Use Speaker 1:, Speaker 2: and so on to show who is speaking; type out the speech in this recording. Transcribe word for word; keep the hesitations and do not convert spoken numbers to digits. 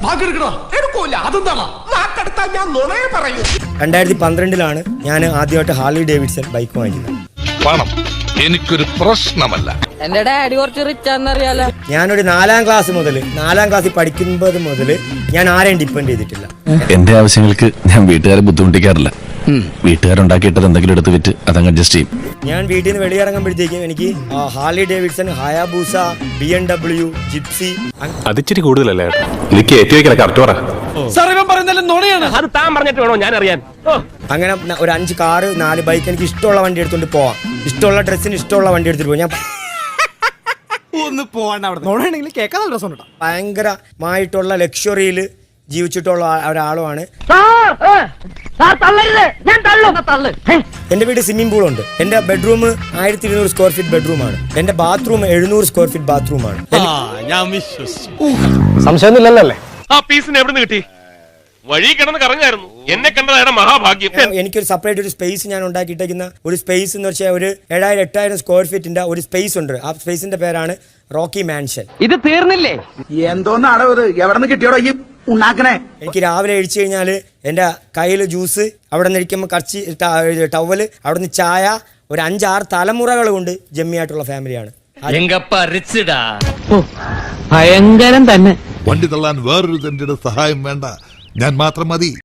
Speaker 1: രണ്ടായിരത്തി പന്ത്രണ്ടിലാണ് ഞാൻ ആദ്യമായിട്ട് ഹാർലി ഡേവിഡ്സൺ ബൈക്ക് വാങ്ങിക്കുന്നത്.
Speaker 2: പണം എനിക്കൊരു പ്രശ്നമല്ല.
Speaker 3: എന്റെ ഡാഡി കുറച്ച് റിച്ച് ആണെന്നറിയാലോ.
Speaker 1: ഞാനൊരു നാലാം ക്ലാസ് മുതൽ നാലാം ക്ലാസ്സിൽ പഠിക്കുമ്പോൾ മുതൽ ഞാൻ ആരെയും ഡിപ്പെൻഡ് ചെയ്തിട്ടില്ല.
Speaker 4: എന്റെ ആവശ്യങ്ങൾക്ക് ഞാൻ വീട്ടുകാരെ ബുദ്ധിമുട്ടിക്കാറില്ല. വീട്ടുകാരുണ്ടാക്കിയിട്ടത് എന്തെങ്കിലും എടുത്ത് വിറ്റ് അതങ്ങ് അഡ്ജസ്റ്റ് ചെയ്യും.
Speaker 1: ഞാൻ വീട്ടിൽ നിന്ന് വെളിയിറങ്ങുമ്പോഴത്തേക്കും എനിക്ക് Harley Davidson, Hayabusa, B M W, Gypsy,
Speaker 4: അതിച്ചിരി കൂടുതലല്ലേ? എനിക്ക് ഏറ്റവും കറക്റ്റ് പറ.
Speaker 1: അങ്ങനെ ഒരു അഞ്ച് കാറ്, നാല് ബൈക്ക്, എനിക്ക് ഇഷ്ടമുള്ള വണ്ടി എടുത്തോണ്ട് പോവാം. ഇഷ്ടമുള്ള ഡ്രസ്സിന് ഇഷ്ടമുള്ള വണ്ടി എടുത്തിട്ട് പോവാം. ഞാൻ
Speaker 5: ഒന്ന് പോവാണ്ട് അവിടെ നോണെങ്കിൽ കേൾക്കാൻ നല്ല രസമുണ്ട്.
Speaker 1: ഭയങ്കരമായിട്ടുള്ള ലക്ഷറിയിൽ ജീവിച്ചിട്ടുള്ള ഒരാളുമാണ്. എന്റെ വീട് സ്വിമ്മിംഗ് പൂൾ ഉണ്ട്. എന്റെ ബെഡ്റൂം ആയിരത്തി ഇരുന്നൂറ് സ്ക്വയർ ഫീറ്റ് ബെഡ്റൂമാണ്. എന്റെ ബാത്റൂം എഴുന്നൂറ് സ്ക്വയർ ഫീറ്റ് ബാത്റൂമാണ്.
Speaker 5: സംശയമൊന്നുമില്ലല്ലേ?
Speaker 6: ആ പീസിന് എവിടെ നിന്ന് കിട്ടി? വഴി കിടന്ന് കറങ്ങായിരുന്നു. എന്നെ കണ്ടതാണ് മഹാഭാഗ്യം.
Speaker 1: എനിക്കൊരു സെപ്പറേറ്റ് ഒരു സ്പേസ് ഞാൻ ഉണ്ടാക്കിയിട്ടേക്കുന്ന ഒരു സ്പേസ് എന്ന് വെച്ചാൽ ഒരു ഏഴായിരം എട്ടായിരം സ്ക്വയർ ഫീറ്റിന്റെ ഒരു സ്പേസ് ഉണ്ട്. ആ സ്പേസിന്റെ പേരാണ് റോക്കി മാൻഷൻ.
Speaker 3: ഇത് തീർന്നില്ലേ?
Speaker 5: എന്തോന്നാടോ ഇത്? എവിടെ നിന്ന് കിട്ടിയോടോ ഈ ഉണ്ടാക്കണേ?
Speaker 1: എനിക്ക് രാവിലെ കഴിച്ചു കഴിഞ്ഞാൽ എൻ്റെ കയ്യിൽ ജ്യൂസ്, അവിടെ നിന്ന് ഇരിക്കുമ്പോൾ കർച്ചി ടവല്, അവിടെ നിന്ന് ചായ, ഒരു അഞ്ചാറ് തലമുറകൾ കൊണ്ട് ജമ്മിയായിട്ടുള്ള ഫാമിലിയാണ്.
Speaker 3: ഭയങ്കരം തന്നെ.
Speaker 2: വണ്ടി തള്ളാൻ വേറൊരു തന്റെ സഹായം വേണ്ട, ഞാൻ മാത്രം മതി.